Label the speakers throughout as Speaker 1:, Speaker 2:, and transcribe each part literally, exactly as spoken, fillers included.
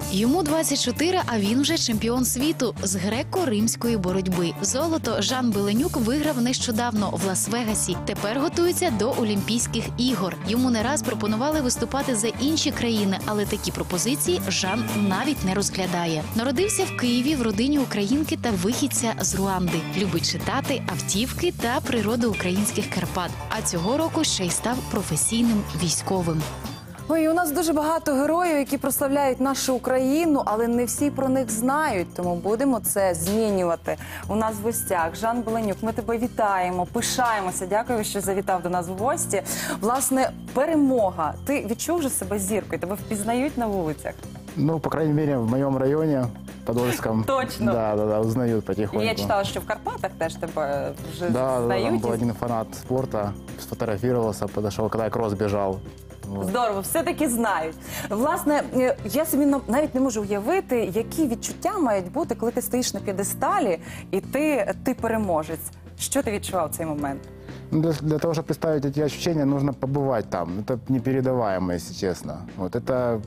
Speaker 1: Йому двадцять чотири, а він вже чемпіон світу з греко-римської боротьби. Золото Жан Беленюк виграв нещодавно в Лас-Вегасі. Тепер готується до Олімпійських ігор. Йому не раз пропонували виступати за інші країни, але такі пропозиції Жан навіть не розглядає. Народився в Києві в родині українки та вихідця з Руанди. Любить читати, автівки та природу українських Карпат. А цього року ще й став професійним військовим.
Speaker 2: Ой, у нас дуже багато героїв, які прославляють нашу Україну, але не всі про них знають, тому будемо це змінювати. У нас в гостях Жан Беленюк, ми тебе вітаємо, пишаємося, дякую, що завітав до нас в гості. Власне, перемога. Ти відчув же себе зіркою, тебе впізнають на вулицях?
Speaker 3: Ну, по крайней мере, в моем районе, Подольском.
Speaker 2: Точно?
Speaker 3: Да, да, да, узнают потихоньку.
Speaker 2: Я читала, що в Карпатах теж тебе вже
Speaker 3: да,
Speaker 2: знають.
Speaker 3: Да, там был один фанат спорта, сфотографировался, подошел, когда я кросс бежал. Вот.
Speaker 2: Здорово, все-таки знають. Власне, я собі навіть не можу уявити, які відчуття мають бути, коли ти стоїш на п'єдесталі і ти, ти переможець. Що ти відчував в цей момент?
Speaker 3: Ну, для, для того, чтобы представить эти ощущения, нужно побывать там. Это непередаваемо, если честно. Вот это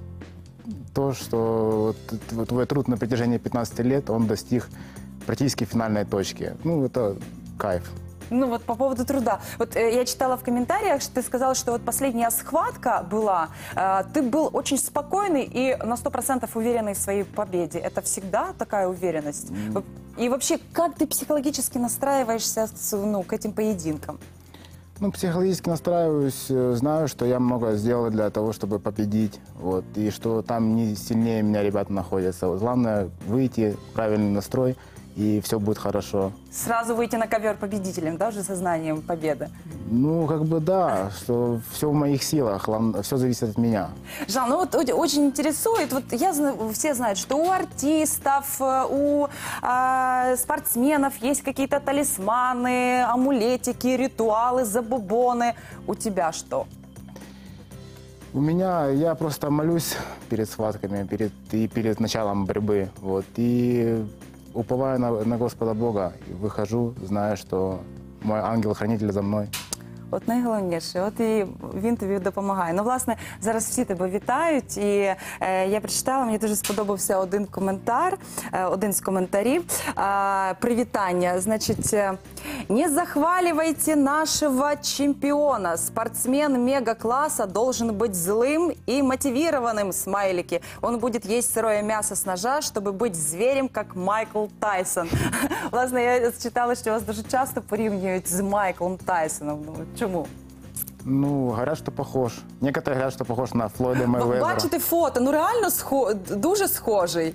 Speaker 3: то, что вот, твой труд на протяжении пятнадцати лет, он достиг практически финальной точки. Ну, это кайф.
Speaker 2: Ну вот по поводу труда. Вот э, я читала в комментариях, что ты сказал, что вот последняя схватка была, э, ты был очень спокойный и на сто процентов уверенный в своей победе. Это всегда такая уверенность? Mm. И вообще, как ты психологически настраиваешься с, ну, к этим поединкам?
Speaker 3: Ну, психологически настраиваюсь, знаю, что я много сделал для того, чтобы победить, вот, и что там не сильнее меня ребята находятся. Вот, главное выйти, правильный настрой, и все будет хорошо.
Speaker 2: Сразу выйти на ковер победителем, да, уже сознанием победы?
Speaker 3: Ну, как бы да, что все в моих силах, все зависит от меня.
Speaker 2: Жан, ну вот очень интересует, вот я знаю, все знают, что у артистов, у э, спортсменов есть какие-то талисманы, амулетики, ритуалы, забубоны. У тебя что?
Speaker 3: У меня, я просто молюсь перед схватками, перед, и перед началом борьбы, вот, и уповаю на, на Господа Бога, и выхожу, зная, что мой ангел-хранитель за мною.
Speaker 2: От найголовніше, от і він тобі допомагає. Ну, власне, зараз всі тебе вітають, і е, я прочитала, мені дуже сподобався один коментар, е, один з коментарів. Е, привітання, значить, е, «Не захваливайте нашего чемпиона. Спортсмен мега-класса должен быть злым и мотивированным, смайлики. Он будет есть сырое мясо с ножа, чтобы быть зверем, как Майкл Тайсон». Власне, я читала, що вас дуже часто порівнюють з Майклом Тайсоном. Чому?
Speaker 3: Ну, говорят, что похож. Некоторые говорят, что похож на Флойда Мейвезера.
Speaker 2: Бачите фото, ну реально схо... дуже схожий.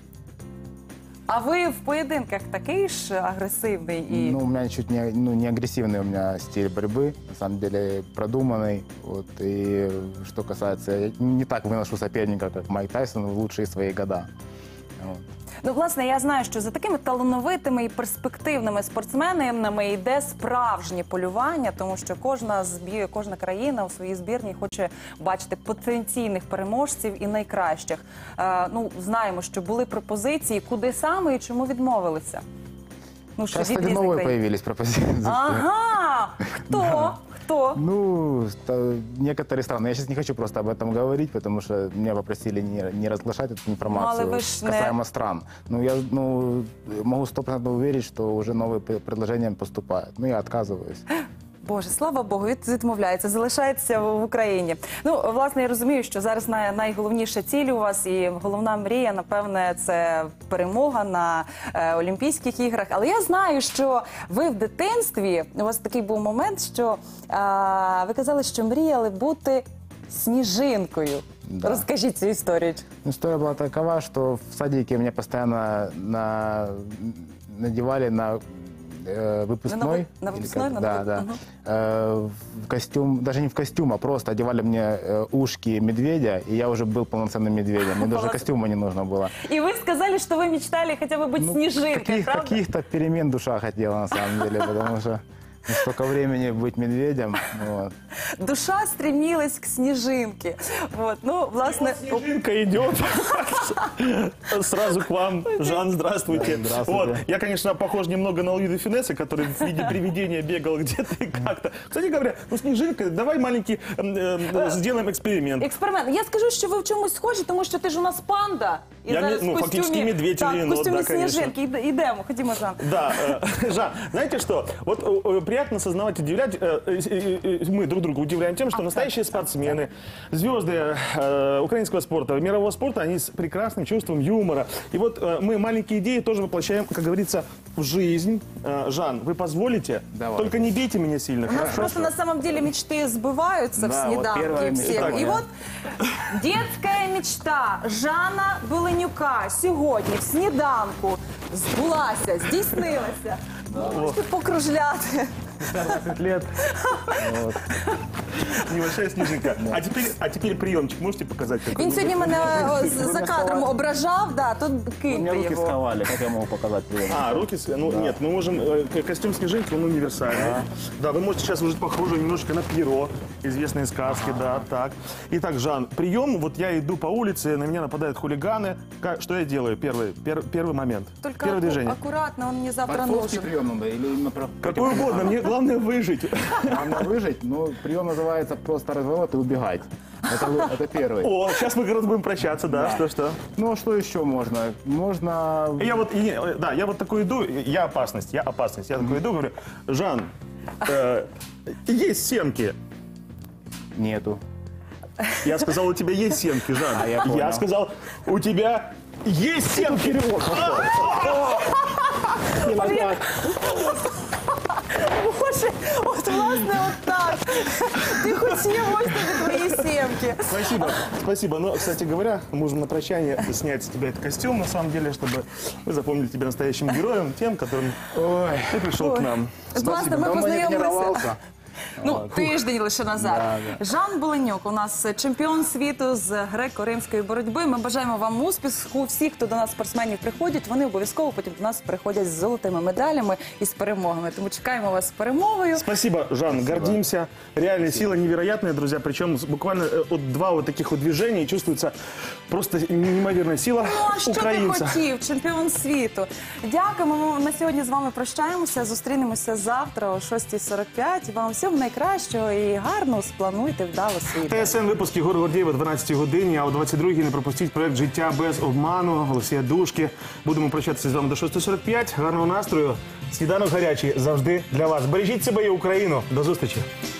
Speaker 2: А ви в поєдинках такий ж агресивний і...
Speaker 3: Ну, у меня чуть не, ну, не агрессивный у меня стиль борьбы, на самом деле продуманный. Вот, и что касается, я не так выношу соперника, как Майк Тайсон в лучшие свои года. Вот.
Speaker 2: Ну, власне, я знаю, що за такими талановитими і перспективними спортсменами йде справжнє полювання, тому що кожна, збір, кожна країна у своїй збірній хоче бачити потенційних переможців і найкращих. Е, ну, знаємо, що були пропозиції, куди саме і чому відмовилися? Ну,
Speaker 3: Сейчас, кстати, новые появились пропозиции.
Speaker 2: Ага! Хто?
Speaker 3: Да.
Speaker 2: Кто?
Speaker 3: Ну, некоторые страны. Я сейчас не хочу просто об этом говорить, потому что меня попросили не, не разглашать эту информацию,
Speaker 2: ну,
Speaker 3: касаемо
Speaker 2: не...
Speaker 3: стран. Ну, я ну, могу сто процентов уверить, что уже новые предложения поступают. Ну, я отказываюсь.
Speaker 2: Боже, слава Богу, відмовляється, залишається в Україні. Ну, власне, я розумію, що зараз найголовніша ціль у вас і головна мрія, напевне, це перемога на е, Олімпійських іграх. Але я знаю, що ви в дитинстві, у вас такий був момент, що е, ви казали, що мріяли бути сніжинкою. Да. Розкажіть цю історію.
Speaker 3: История была такова, что в садике меня постоянно на... надевали на... выпускной,
Speaker 2: на, на выпускной,
Speaker 3: как,
Speaker 2: на
Speaker 3: да, да, угу. э, в костюм, даже не в костюм, а просто одевали мне э, ушки медведя, и я уже был полноценным медведем, мне даже костюма не нужно было.
Speaker 2: И вы сказали, что вы мечтали хотя бы быть ну, снежинкой,
Speaker 3: каких,
Speaker 2: правда?
Speaker 3: Каких-то перемен душа хотела на самом деле, потому что столько времени быть медведем. Вот.
Speaker 2: Душа стремилась к снежинке. Вот, ну, власне...
Speaker 4: Вот снежинка идет. Сразу к вам. Жан, здравствуйте.
Speaker 3: Здравствуйте.
Speaker 4: Вот. Я, конечно, похож немного на Луида Финесса, который в виде привидения бегал где-то и как-то. Кстати говоря, ну, снежинка, давай маленький э, э, сделаем эксперимент.
Speaker 2: Експеримент. Я скажу, що ви в чомусь схожі, тому що ти ж у нас панда. І
Speaker 4: Я
Speaker 2: зараз
Speaker 4: не- ну,
Speaker 2: в
Speaker 4: фактично
Speaker 2: костюмі,
Speaker 4: медведь
Speaker 2: так,
Speaker 4: или
Speaker 2: в
Speaker 4: енот,
Speaker 2: костюмі
Speaker 4: да, конечно.
Speaker 2: сніжинки. Іде- Ідемо, ходімо, Жан.
Speaker 4: Да, э, Жан, знаете что? Вот э, э, приятно осознавать, удивлять. э, э, э, э, Мы друг друга удивляем тем, что настоящие спортсмены, звезды э, украинского спорта, мирового спорта, они с прекрасным чувством юмора. И вот э, мы маленькие идеи тоже воплощаем, как говорится, в жизнь. Э, Жан, вы позволите?
Speaker 3: Давай.
Speaker 4: Только не бейте меня сильно.
Speaker 2: У нас
Speaker 4: хорошо?
Speaker 2: просто на самом деле мечты сбываются в
Speaker 3: Да, вот
Speaker 2: снеданке
Speaker 3: первая
Speaker 2: всех.
Speaker 3: мечта
Speaker 2: И
Speaker 3: моя.
Speaker 2: вот детская мечта Жана Беленюка сьогодні в сніданку збулася, здійснилася. Можете покружляти.
Speaker 3: двадцать лет. Вот.
Speaker 4: Небольшая снежинка. А теперь, а теперь приемчик можете показать? какой?
Speaker 2: Він сьогодні мене о, з- за кадром ображав, да, то
Speaker 3: У меня
Speaker 2: киньте
Speaker 3: руки
Speaker 2: його.
Speaker 3: сковали, как я могу показать прием?
Speaker 4: А, руки, с- ну нет, мы можем, э, к- костюм снежинки, он универсальный. Да. Вы можете сейчас уже похоже немножечко на Пьеро, известные сказки, да, так. Итак, Жан, прием, вот я иду по улице, на меня нападают хулиганы. Ка- Что я делаю? Первый, пер- первый момент,
Speaker 2: Только
Speaker 4: первое
Speaker 2: аку-
Speaker 4: движение.
Speaker 2: аккуратно, он мне завтра
Speaker 3: Борцовский
Speaker 2: нужен.
Speaker 3: прием надо или именно про...
Speaker 4: Какой угодно, мне главное выжить.
Speaker 3: Главное выжить, но прием называется просто разворот и убегать. Это, вы- это первый.
Speaker 4: О, сейчас мы как раз будем прощаться, да, что-что.
Speaker 3: Ну, а что еще можно? Можно...
Speaker 4: Я вот, и- да, я вот такой иду, я опасность, я опасность. Я такой иду, говорю, Жан, э, есть семки.
Speaker 3: Нету.
Speaker 4: Я сказал, у тебя есть семки, Жан.
Speaker 3: А, я понял.
Speaker 4: сказал, у тебя есть семки.
Speaker 2: Боже, от власне от так. Ти хотів ось тобі твої сімки.
Speaker 4: Спасибо, спасибо. Но, кстати говоря, можем на прощание снять с тебя этот костюм, на самом деле, чтобы мы запомнили тебя настоящим героем, тем, которым
Speaker 3: Ой,
Speaker 4: ты пришел к нам.
Speaker 2: Власне, ми
Speaker 3: давно не
Speaker 2: познайомилися.
Speaker 3: тренировался.
Speaker 2: Ну, тиждень лише назад. Жан Беленюк у нас чемпіон світу з греко-римської боротьби. Ми бажаємо вам успіху. Всі, хто до нас спортсменів приходять, вони обов'язково потім до нас приходять з золотими медалями і з перемогами. Тому чекаємо вас з перемогою.
Speaker 4: Спасибо, Жан, гордимся. Реально, сила невероятная, друзья. Причем с- буквально э, от два вот таких вот движения и чувствуется просто неимоверная сила
Speaker 2: Ну, а що ти
Speaker 4: украинца.
Speaker 2: хотів, чемпіон світу? Дякуємо. Ми на сьогодні з вами прощаємося. Зустрінемося завтра о шостій сорок п'ять. Вам всього найкращого і гарно сплануйте вдало свій день.
Speaker 4: ТСН випуск Єгор Гордієв о дванадцятій годині, а о двадцять другій не пропустіть проект «Життя без обману» Олексія Душки. Будемо прощатися з вами до шостої сорок п'ять. Гарного настрою. Сніданок гарячий завжди для вас. Бережіть себе і Україну. До зустрічі.